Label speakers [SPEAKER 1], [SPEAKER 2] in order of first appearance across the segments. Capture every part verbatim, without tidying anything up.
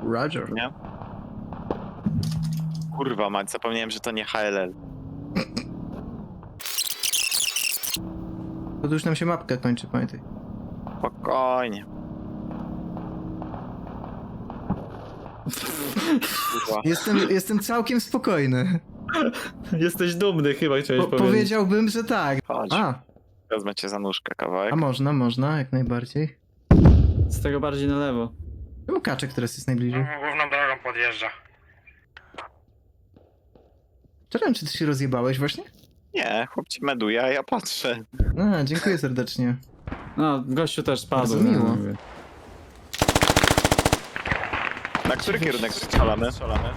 [SPEAKER 1] Roger.
[SPEAKER 2] Nie? Kurwa mać, zapomniałem, że to nie H L L.
[SPEAKER 1] To już nam się mapka kończy, pamiętaj.
[SPEAKER 2] Spokojnie. Kurwa.
[SPEAKER 1] Jestem, jestem całkiem spokojny.
[SPEAKER 3] Jesteś dumny chyba, chciałeś
[SPEAKER 1] Po,
[SPEAKER 3] powiedzieć.
[SPEAKER 1] powiedziałbym, że tak.
[SPEAKER 2] Chodź,
[SPEAKER 1] A,
[SPEAKER 2] wezmę cię za nóżkę kawałek.
[SPEAKER 1] a można, można, jak najbardziej.
[SPEAKER 3] Z tego bardziej na lewo.
[SPEAKER 1] Czemu kaczek teraz jest najbliżej?
[SPEAKER 4] Główną drogą podjeżdża.
[SPEAKER 1] Czekam, czy ty się rozjebałeś właśnie?
[SPEAKER 2] Nie, chłop ci meduje, a ja patrzę.
[SPEAKER 1] A, dziękuję serdecznie.
[SPEAKER 3] No, gościu też spadł.
[SPEAKER 1] Bardzo miło.
[SPEAKER 3] ja mówię.
[SPEAKER 2] Na który kierunek strzelamy?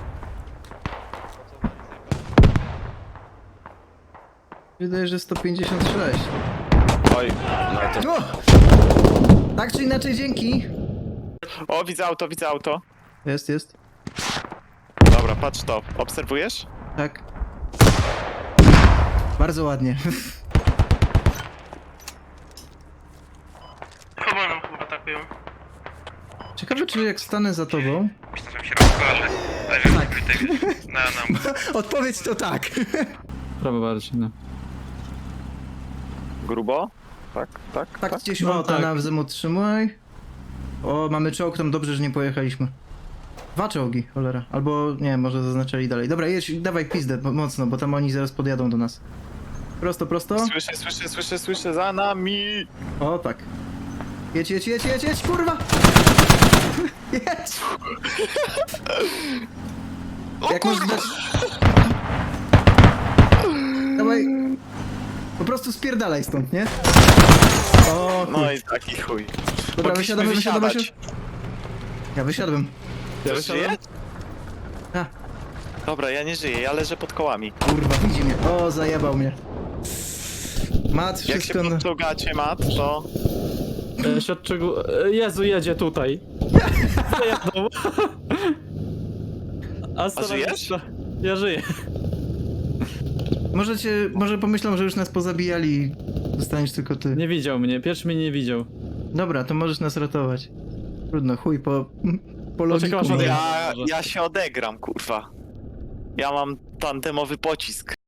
[SPEAKER 1] Wydaje, że sto pięćdziesiąt sześć.
[SPEAKER 2] Oj,
[SPEAKER 1] O! Tak czy inaczej, dzięki.
[SPEAKER 2] o, widzę auto, widzę auto.
[SPEAKER 1] Jest, jest.
[SPEAKER 2] Dobra, patrz to. Obserwujesz?
[SPEAKER 1] Tak. Bardzo ładnie.
[SPEAKER 4] Chyba nam chyba atakują.
[SPEAKER 1] Ciekawe, czy jak stanę za tobą...
[SPEAKER 4] Myślę, że mi się rozkojarzy. Ale wiem,
[SPEAKER 1] Tak.
[SPEAKER 4] tutaj na nam.
[SPEAKER 1] Odpowiedź to tak.
[SPEAKER 3] Prawo bardziej, no.
[SPEAKER 2] Grubo? Tak, tak,
[SPEAKER 1] Tak,
[SPEAKER 2] tak.
[SPEAKER 1] gdzieś
[SPEAKER 3] No,
[SPEAKER 1] no,
[SPEAKER 3] tak.
[SPEAKER 1] na wzem utrzymaj. O, mamy czołg, tam dobrze, że nie pojechaliśmy. Dwa czołgi, cholera. Albo, nie, może zaznaczyli dalej. Dobra, jedź, dawaj pizdę bo- mocno, bo tam oni zaraz podjadą do nas. Prosto, prosto.
[SPEAKER 2] Słyszę, słyszę, słyszę, słyszę za nami.
[SPEAKER 1] O, tak. Jedź, jedź, jedź, jedź, jedź, kurwa! Jedź! Jak możesz dać... Dawaj. Po prostu spierdalaj stąd, nie? O, chuj.
[SPEAKER 2] No i taki chuj.
[SPEAKER 1] Dobra,
[SPEAKER 2] Mogliśmy
[SPEAKER 1] wysiadamy, wysiadamy,
[SPEAKER 2] wysiadać.
[SPEAKER 1] wysiadamy. Ja wysiadłem.
[SPEAKER 2] Ja
[SPEAKER 3] Ja
[SPEAKER 2] żyję?
[SPEAKER 1] A,
[SPEAKER 2] Dobra, ja nie żyję, ja leżę pod kołami.
[SPEAKER 1] kurwa, widzi mnie. O, zajebał mnie. Mat,
[SPEAKER 2] Jak się
[SPEAKER 1] wszystko... na-
[SPEAKER 2] podciągacie, mat, to...
[SPEAKER 3] E, Świadczyku... e, Jezu, jedzie tutaj. Zajadą. A, stara-
[SPEAKER 2] żyjesz?
[SPEAKER 3] Ja żyję.
[SPEAKER 1] Może cię, może pomyślą, że już nas pozabijali i zostaniesz tylko ty.
[SPEAKER 3] Nie widział mnie, pierwszy mnie nie widział.
[SPEAKER 1] Dobra, to możesz nas ratować. Trudno, chuj, po... po
[SPEAKER 3] Poczekaj,
[SPEAKER 1] logiku.
[SPEAKER 3] aż
[SPEAKER 1] nie.
[SPEAKER 3] odejdę.
[SPEAKER 2] Ja,
[SPEAKER 3] może.
[SPEAKER 2] ja się odegram, kurwa. Ja mam tandemowy pocisk.